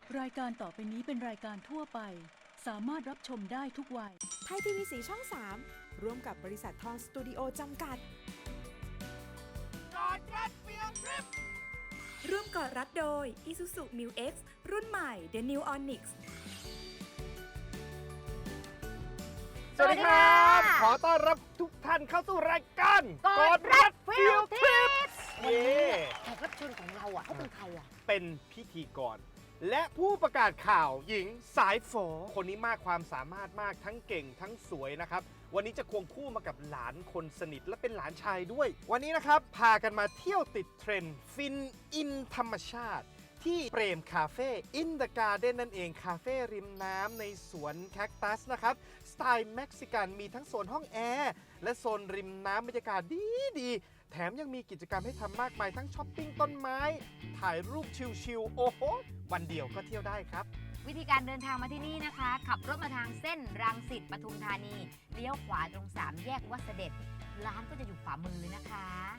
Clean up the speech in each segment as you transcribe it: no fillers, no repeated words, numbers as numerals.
รายการต่อไปนี้เป็นรายการทั่วไปสามารถรับชมได้ทุกวัยไทยทีวีสีช่อง 3 ร่วมกับบริษัททองสตูดิโอจำกัดกอดรัดเฟียงทริปร่วมกอดรัดโดย Isuzu Mu X รุ่นใหม่ The New Onyx สวัสดีครับขอต้อนรับทุกท่านเข้าสู่รายการกอดรัดเฟียงทริปเย้แขกรับเชิญของเราอ่ะเขาเป็นใครอ่ะเป็นพิธีกร และผู้ประกาศข่าวหญิงสายฝอคนนี้มากความสามารถมากทั้งเก่งทั้งสวยนะครับวันนี้จะควงคู่มากับหลานคนสนิทและเป็นหลานชายด้วย วันนี้นะครับพากันมาเที่ยวติดเทรนด์ฟินอินธรรมชาติ ที่เปรมคาเฟ่อินเดอะการ์เด้นนั่นเองคาเฟ่ริมน้ำในสวนแคคตัสนะครับสไตล์เม็กซิกันมีทั้งโซนห้องแอร์และโซนริมน้ำบรรยากาศดีแถมยังมีกิจกรรมให้ทำมากมายทั้งช้อปปิ้งต้นไม้ ถ่ายรูปชิลๆโอ้โหวันเดียวก็เที่ยวได้ครับวิธีการเดินทางมาที่นี่นะคะ ขับรถมาทางเส้นรังสิตปทุมธานีเลี้ยวขวาตรง3แยกวัดเสด็จร้านก็จะอยู่ขวามือเลยนะคะ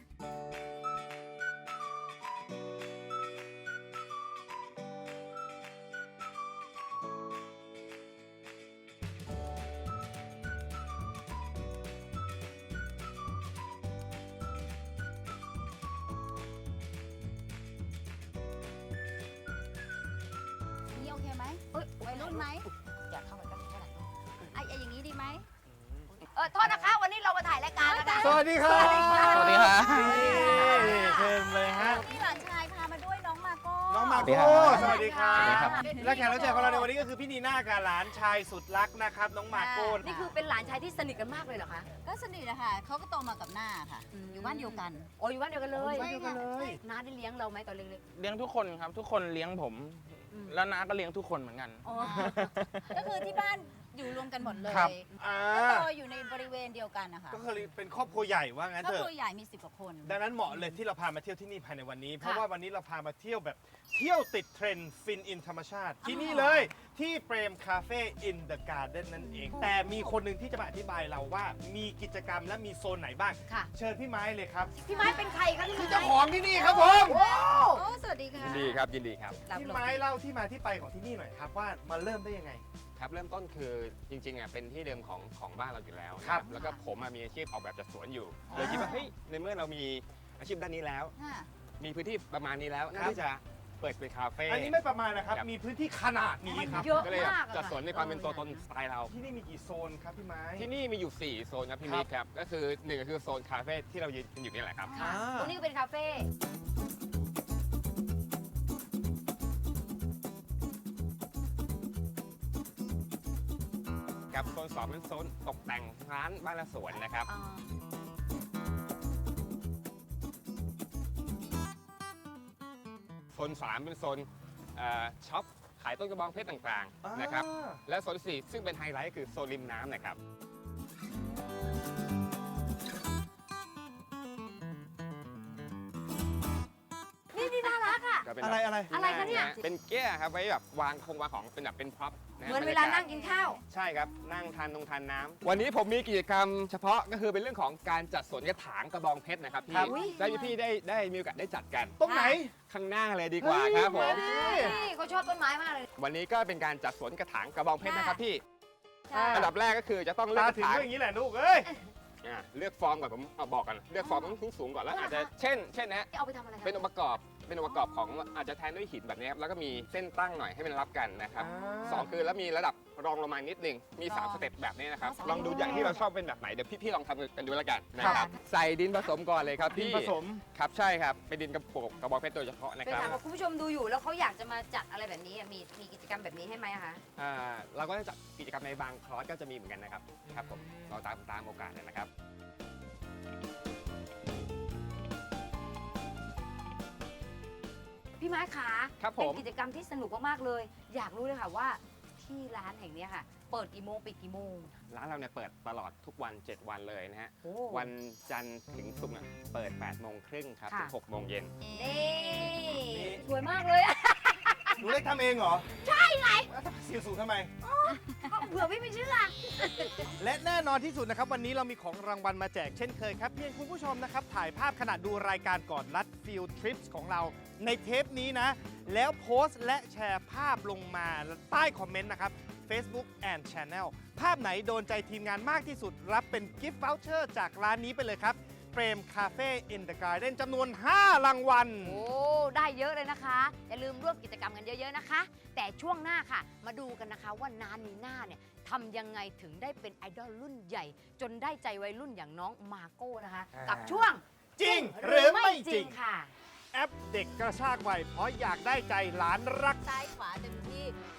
นี่โอเคไหมเอ้ยวัยรุ่นไหมอยากเข้ามาตั้งเท่าไหร่ไอ้อย่างนี้ดีไหมโทษนะคะ วันนี้เรามาถ่ายรายการนะคะสวัสดีครับสวัสดีค่ะเชิญเลยฮะพี่หลานชายพามาด้วยน้องมาโก้น้องมาสวัสดีโก้ครับสวัสดีครับสวัสดีครับและแขกรับเชิญของเราในวันนี้ก็คือพี่นีน่ากับหลานชายสุดรักนะครับน้องมาโก้นี่คือเป็นหลานชายที่สนิทกันมากเลยเหรอคะก็สนิทนะคะเขาก็โตมากับหน้าค่ะ อยู่บ้านเดียวกันโอ้อยู่บ้านเดียวกันเลยบ้านเดียวกันเลยน้าได้เลี้ยงเราไหมตอนเล็กเลี้ยงทุกคนครับทุกคนเลี้ยงผมอืมแล้วน้าก็เลี้ยงทุกคนเหมือนกันๆอ๋อก็คือที่บ้านอยู่รวมกันหมดเลยครับ อ่าก็โตอยู่ในบริเวณเดียวกันนะคะก็คือเป็นครอบครัวใหญ่ว่างั้นครอบเถครัวอะใหญ่มี10 กว่าคนดังนั้นเหมาะเลยที่เราพามาเที่ยวที่นี่ภายในวันนี้ เพราะว่าวันนี้เราพามาเที่ยวแบบเที่ยวติดเทรนด์ฟินอินธรรมชาติ ที่นี่เลยที่เปรมคาเฟ่อินเดอะการ์เด้นนั่นเอง แต่มีคนหนึ่งที่จะมาอธิบายเราว่ามีกิจกรรมและมีโซนไหนบ้างค่ะเชิญพี่ไม้เลยครับพี่ไม้เป็นใครคะพี่ไม้เจ้าของที่นี่ครับผมโอ้สวัสดีค่ะยินดีครับยินดีครับรับพี่ลงไม้เล่าที่มาที่ไปของที่นี่หน่อยครับว่ามาเริ่มได้ยังไงครับเริ่มต้นคือจริงๆเป็นที่เดิมของบ้านเราอยู่แล้วครับแล้วก็ผมมีอาชีพออกแบบจัดสวนอยู่เลยคิดว่าเฮ้ยในเมื่อเรามีอาชีพด้านนี้แล้วค่ะมีพื้นที่ประมาณนี้แล้วน่าที่จะเปิดเป็นคาเฟ่อันนี้ไม่ประมาณนะครับครับมีพื้นที่ขนาดนี้ครับเยอะก็เลยมากอะจัดสวนในความเป็นตัวตนสไตล์เราที่นี่มีกี่โซนครับพี่ไม้ที่นี่มีอยู่ 4 โซนครับพี่ครับมิกครับก็คือหนึ่งก็คือโซนคาเฟ่ที่เรายืนอยู่นี่แหละครับค่ะตรงนี้ก็เป็นคาเฟ่กับโซน2เป็นโซนตกแต่งร้านบ้านและสวนนะครับอ่าโซน3เป็นโซนช็อปขายต้นกระบองเพชรต่างๆนะครับอ่าและโซน4ซึ่งเป็นไฮไลท์คือโซนริมน้ำนะครับนี่น่ารักอ่ะก็เป็นอะไรอะไรอะไรคะเนี่ยเป็นแก้ครับไว้แบบวางของเป็นแบบเป็นพร็อพะเหมือนเวลานั่งกินข้าวใช่ครับนั่งทานน้ำวันนี้ผมมีกิจกรรมเฉพาะก็คือเป็นเรื่องของการจัดสวนกระถางกระบองเพชรนะครับครัพี่บได้พี่ได้มีโอกาสได้จัดกันตรงไหนข้างหน้าเลยดีกว่าครับผมนี่เขาชอบต้นไม้มากเลยวันนี้ก็เป็นการจัดสวนกระถางกระบองเพชรนะครับพี่ใช่อันดับแรกก็คือจะต้องเลือกตากระถึงถางก็อย่างนี้แหละลูกเอ้ยเลือกฟอร์มก่อนผมเอาบอกกันเลือกฟอร์มต้องสูงๆก่อนแล้วอาจจะเช่นนะเอาไปทำอะไรคะเป็นองค์ประกอบของอาจจะแทนด้วยหินแบบนี้ครับแล้วก็มีเส้นตั้งหน่อยให้มันรับกันนะครับอ่าสองคือแล้วมีระดับรองลงมานิดนึงมี3สเต็ปแบบนี้นะครับอ๋อลองดูอย่างที่เราชอบเป็นแบบไหนเดี๋ยวพี่ลองทำกันดูแล้วกันนะคครัรับบ ใส่ดินผสมก่อนเลยครับดินพี่ผสมครับใช่ครับเป็นดินกระปุกกระบอกเพชรโดยเฉพาะนะเคคยรับถามว่าคุณผู้ชมดูอยู่แล้วเขาอยากจะมาจัดอะไรแบบนี้อะมีกิจกรรมแบบนี้ให้ไหมอะคะเราก็จะจัดกิจกรรมในบางคอร์สก็จะมีเหมือนกันนะครับครับผมเราตามโอกาสเลยนะครับพี่ไม้ขาครับผมเป็นกิจกรรมที่สนุกมากๆเลย อยากรู้เลยค่ะว่าที่ร้านแห่งเนี้ยค่ะ เปิดกี่โมงปิดกี่โมงร้านเราเนี่ยเปิดตลอดทุกวัน 7 วันเลยนะฮะโอ้วันจันทร์ถึงศุกร์เนี่ยเปิด 8 โมงครึ่งครับค่ะถึง 6 โมงเย็นนี่สวยมากเลยอะหนูเล็กทำเองเหรอ ใช่ไงเสียงสูงทำไมเผื่อพี่ไม่เชื่อและแน่นอนที่สุดนะครับ วันนี้เรามีของรางวัลมาแจกเช่นเคยครับ เพียงคุณผู้ชมนะครับ ถ่ายภาพขณะดูรายการก่อนรัดฟิลทริปส์ของเราในเทปนี้นะ แล้วโพสต์และแชร์ภาพลงมาใต้คอมเมนต์นะครับ Facebook and Channel ภาพไหนโดนใจทีมงานมากที่สุด รับเป็นกิฟต์ v ว u เชอร์จากร้านนี้ไปเลยครับเฟรมคาเฟ่อินเดอะการ์เด้นจำนวน 5 รางวัลโอ้ ได้เยอะเลยนะคะ อย่าลืมร่วมกิจกรรมกันเยอะๆนะคะ แต่ช่วงหน้าค่ะ มาดูกันนะคะว่านานีน่าเนี่ยทำยังไงถึงได้เป็นไอดอลรุ่นใหญ่ จนได้ใจวัยรุ่นอย่างน้องมาโก้นะคะ กับช่วงจริงหรือไม่จริงค่ะแอปเด็กกระชากวัยเพราะอยากได้ใจหลานรักซ้ายขวาเต็มที่